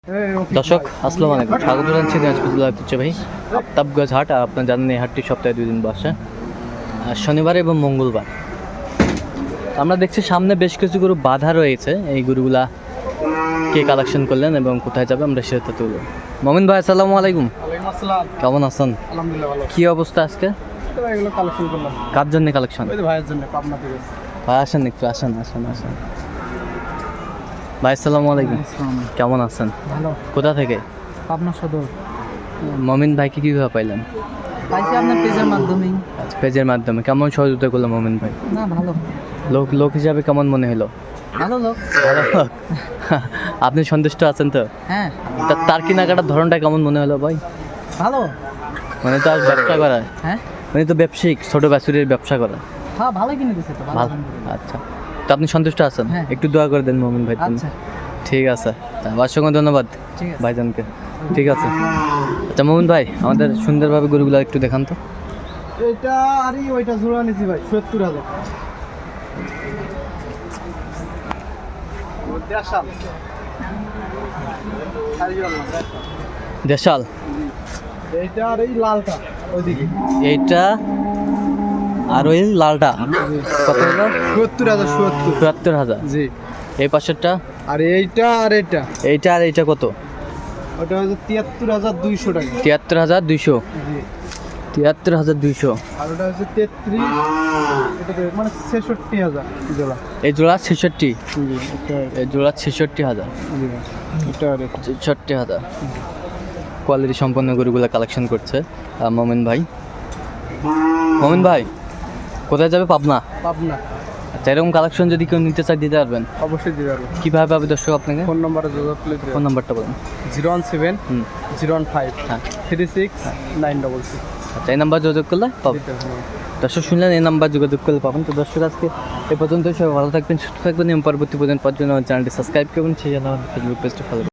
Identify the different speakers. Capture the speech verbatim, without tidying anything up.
Speaker 1: দর্শক আসসালামু আলাইকুম, স্বাগত জানাচ্ছি দিনাজপুর জেলার ঐতিহ্যবাহী আফতাবগঞ্জ হাট। আর আপনার জানেন এই হাটটি সপ্তাহে দুই দিন বসে, শনিবার এবং মঙ্গলবার। আমরা দেখছি সামনে বেশ কিছু গরু বাধা রয়েছে। এই গরুগুলা কে কালেকশন করলেন এবং কোথায় যাবে আমরা সেটা তুলব। মমিন ভাই আসসালামু আলাইকুম, কেমন আছেন? কি অবস্থা আজকে? কার জন্য কালেকশন? ভাই আসেন, একটু আসেন আসেন আসেন ভাই আসসালামু আলাইকুম, কেমন আছেন?
Speaker 2: ভালো।
Speaker 1: কোথা থেকে?
Speaker 2: পাবনা সদর।
Speaker 1: মমিন ভাইকে কীভাবে পাইলেন?
Speaker 2: পাইছি আপনার পেজের মাধ্যমেই।
Speaker 1: আচ্ছা, পেজের মাধ্যমে। কেমন সহযোগিতা করলো মমিন ভাই?
Speaker 2: না ভালো।
Speaker 1: লোক লোক হিসাবে কেমন মনে হলো?
Speaker 2: ভালো লোক।
Speaker 1: ভালো লোক। আপনি সন্তুষ্ট আছেন তো?
Speaker 2: হ্যাঁ
Speaker 1: তা- তার কেনাকাটার ধরনটা কেমন মনে হলো ভাই?
Speaker 2: ভালো।
Speaker 1: মানে তো আর ব্যবসা করা,
Speaker 2: হ্যাঁ
Speaker 1: মানে তো ব্যবসায়িক ছোট ব্যাচুরির ব্যবসা করা।
Speaker 2: হ্যাঁ ভালো কিনে দিছে তো।
Speaker 1: ভালো। আচ্ছা, তো আপনি সন্তুষ্ট আছেন?
Speaker 2: হ্যাঁ।
Speaker 1: একটু দোয়া করে দেন মমিন ভাই।
Speaker 2: আচ্ছা
Speaker 1: ঠিক আছে, অসংখ্য ধন্যবাদ
Speaker 2: ঠিক আছে।
Speaker 1: ভাইজানকে। ঠিক আছে। আচ্ছা মমিন ভাই, আমাদের সুন্দরভাবে গরুগুলো একটু দেখান তো।
Speaker 2: এটা আর ওইটা জোড়া নিছি ভাই সত্তর হাজার।
Speaker 1: দেশাল।
Speaker 2: এইটা আর এই লালটা ওইদিকে
Speaker 1: এইটা আর ওই লালটা কত হলো?
Speaker 2: সত্তর হাজার। সত্তর
Speaker 1: চুয়াত্তর হাজার।
Speaker 2: জি।
Speaker 1: এই পাশেরটা?
Speaker 2: আর এইটা আর এটা
Speaker 1: এইটা আর এইটা কত?
Speaker 2: ওটা হচ্ছে তিয়াত্তর হাজার দুইশো টাকা।
Speaker 1: তিয়াত্তর হাজার দুইশো।
Speaker 2: জি।
Speaker 1: তিয়াত্তর হাজার দুইশো।
Speaker 2: আর ওটা হচ্ছে তেত্রিশ, এটা তো মানে ছেষট্টি হাজার জোড়া।
Speaker 1: এই জোড়া ছেষট্টি।
Speaker 2: জি এটা
Speaker 1: এই জোড়া ছেষট্টি হাজার।
Speaker 2: জি এটা আর এটা।
Speaker 1: ছেষট্টি হাজার। কোয়ালিটি সম্পন্ন গরুগুলো কালেকশন করছে আহ, মমিন ভাই। মমিন ভাই কোথায় যাবে? পাবনা।
Speaker 2: পাবনা।
Speaker 1: আচ্ছা, এরকম কালেকশন যদি কেউ নিতে চায় দিতে পারবেন?
Speaker 2: অবশ্যই দিতে পারবো।
Speaker 1: কীভাবে পাবে দর্শক আপনাকে?
Speaker 2: ফোন নাম্বারে যোগাযোগ করলে দিতে
Speaker 1: ফোন নাম্বারটা বলুন।
Speaker 2: জিরো ওয়ান সেভেন
Speaker 1: হুম।
Speaker 2: জিরো ওয়ান ফাইভ
Speaker 1: হ্যাঁ।
Speaker 2: Three six nine double six.
Speaker 1: আচ্ছা, এই নাম্বার যোগাযোগ করলে পাবেন। দর্শক শুনলেন, এই নাম্বার যোগাযোগ করলে পাবেন। তো দর্শক আজকে এ পর্যন্ত, সবাই ভালো থাকবেন, সুস্থ থাকবেন এবং পরবর্তী পর্যন্ত পর্যন্ত আমার চ্যানেলটি সাবস্ক্রাইব করবেন, সেই জন্য আমার ফেসবুক পেজটা ফলো